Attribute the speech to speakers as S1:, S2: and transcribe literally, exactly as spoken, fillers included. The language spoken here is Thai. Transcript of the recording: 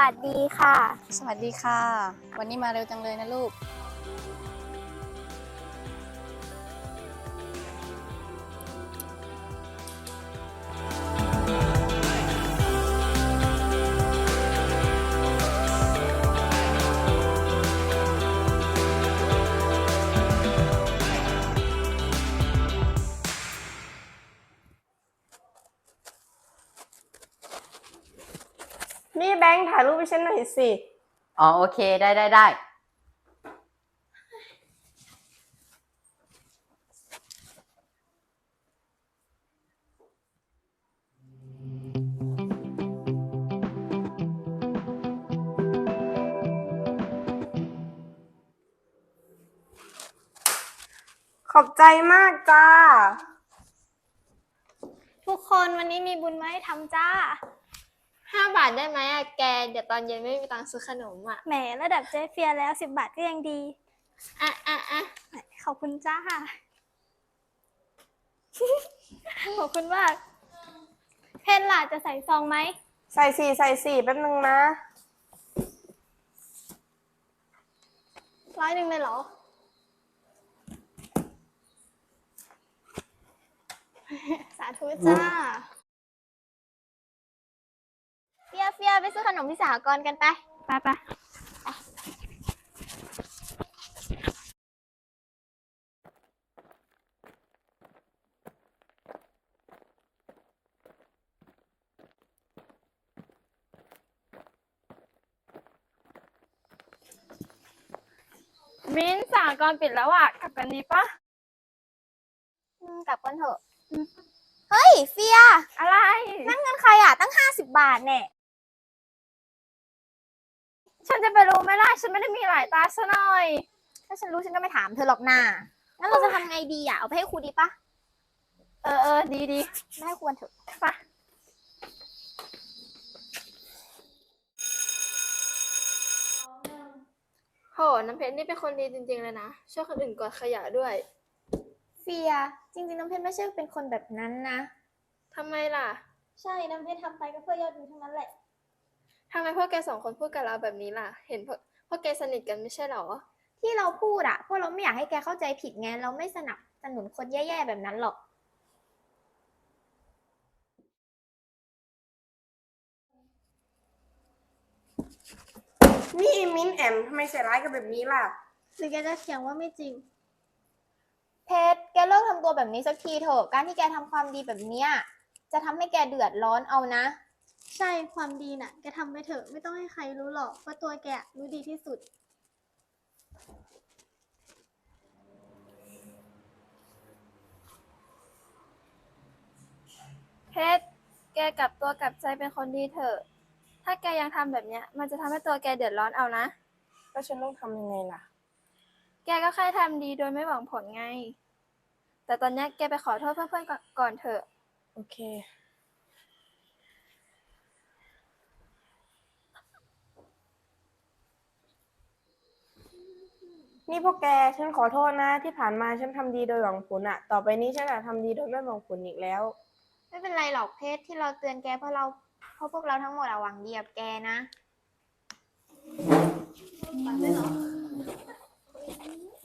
S1: วัสดีค่ะ
S2: สวัสดีค่ะวันนี้มาเร็วจังเลยนะลูก
S3: นี่แบงค์ถ่ายรูปให้ฉันหน่อยสิ
S2: อ๋อโอเคได้ได้ได้
S3: ขอบใจมากจ้า
S1: ทุกคนวันนี้มีบุญมาให้ทำจ้า
S4: ห้าบาทได้ไหมอะแกเดี๋ยวตอนเย็นไม่มีตังค์ซื้อขนมอะ
S1: แหมระดับเจ๊เฟียแล้วสิบบาทก็ยังดี
S4: อ่ะอ่ะอ่ะ
S1: ขอบคุณจ้า ขอบคุณมากเพนล่ะจะใส่ซองไหม
S3: ใส่สี่ใส่สี่แป๊บนึงนะ
S1: ร้อยหนึ่งเลยเหรอ สาธุจ้า
S4: เฟียเฟียไปซื้อขนมที่สหกรณ์กันไป
S1: ไปไปมิ้นสหกรณ์ปิดแล้วอ่ะกลับกันดีปะ
S4: กลับกันเถอะเฮ้ยเฟีย
S1: อะไร
S4: นั่นเงินใครอะตั้งห้าสิบบาทเนี่ย
S1: ฉันจะไปรู้ไหมล่ะฉันไม่ได้มีหลายตาซะหน่อย
S4: ถ้าฉันรู้ฉันก็ไม่ถามเธอหรอกนางั้นเราจะทำไงดีอะเอาไปให้ครูดีปะ
S1: เออเออดีดี
S4: ไม่ให้ควรเถอะ
S1: ปะ
S5: โหน้ำเพชรนี่เป็นคนดีจริงๆเลยนะช่วยคนอื่นกวาดขยะด้วย
S4: เฟียจริงๆน้ำเพชรไม่ใช่เป็นคนแบบนั้นนะ
S5: ทำไมล่ะ
S4: ใช่น้ำเพชรทำไปก็เพื่อยอดวิวทั้งนั้นแหละ
S5: ทำไมพวกแกสองคนพูดกับเราแบบนี้ล่ะเห็นพวกพวกแกสนิทกันไม่ใช่หรอ
S4: ที่เราพูดอะเพราะเราไม่อยากให้แกเข้าใจผิดไงเราไม่สนับสนุนคนแย่ๆแบบนั้นหรอก
S3: นี่มิ้นแอมทำไมใส่ร้ายกันแบบนี้ล่ะ
S1: หรือแกจะเถียงว่าไม่จริง
S4: เพชรแกเลิกทำตัวแบบนี้สักทีเถอะการที่แกทำความดีแบบเนี้ยจะทำให้แกเดือดร้อนเอานะ
S1: ใช่ความดีน่ะแกทำไปเถอะไม่ต้องให้ใครรู้หรอกว่าตัวแกรู้ดีที่สุด
S5: เพชรแกกลับตัวกลับใจเป็นคนดีเถอะถ้าแกยังทำแบบเนี้ยมันจะทำให้ตัวแกเดือดร้อนเอานะ
S3: แล้วฉันต้องทำยังไงล่ะ
S5: แกก็แค่ทำดีโดยไม่หวังผลไงแต่ตอนนี้แกไปขอโทษเพื่อนๆก่อนเถอะ
S3: โอเคนี่พวกแกฉันขอโทษนะที่ผ่านมาฉันทำดีโดยหวังผลอะต่อไปนี้ฉันจะทำดีโดยไม่หวังผลอีกแล้ว
S4: ไม่เป็นไรหรอกเพชรที่เราเตือนแกเพราะเราเพราะพวกเราทั้งหมดอะหวังดีกับแกนะ